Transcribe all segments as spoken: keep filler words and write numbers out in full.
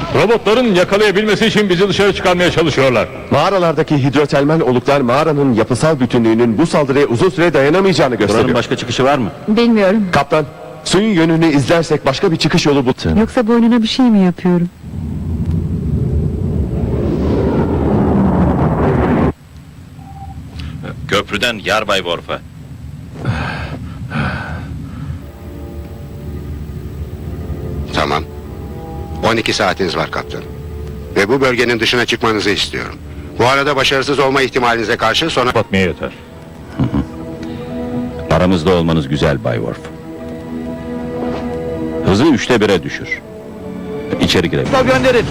Robotların yakalayabilmesi için bizi dışarı çıkarmaya çalışıyorlar. Mağaralardaki hidrotermal oluklar mağaranın yapısal bütünlüğünün bu saldırıya uzun süre dayanamayacağını gösteriyor. Buranın başka çıkışı var mı? Bilmiyorum. Kaptan, suyun yönünü izlersek başka bir çıkış yolu bul. Yoksa boynuna bir şey mi yapıyorum? Köprüden Yarbay Worf'a. Tamam. on iki saatiniz var kaptan. Ve bu bölgenin dışına çıkmanızı istiyorum. Bu arada başarısız olma ihtimalinize karşı sonra... Batmaya yeter. Aramızda olmanız güzel Bay Worf. Hızı üçte bire düşür. İçeri girelim. Gönderin.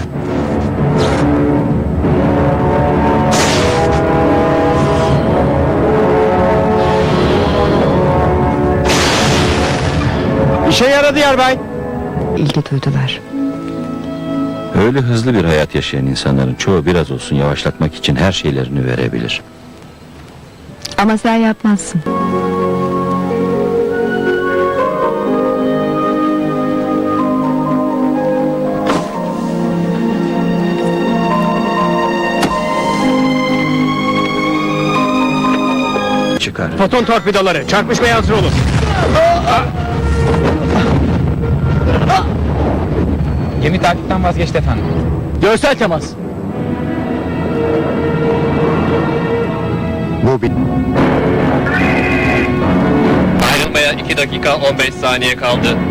İşe yaradı Yarbay. İlgi duydular. Öyle hızlı bir hayat yaşayan insanların çoğu biraz olsun yavaşlatmak için her şeylerini verebilir. Ama sen yapmazsın. Çıkar. Foton torpidoları çarpışmaya hazır olun. Gemi takipten vazgeçti efendim. Görsel temas. Bu bir... Ayrılmaya iki dakika on beş saniye kaldı.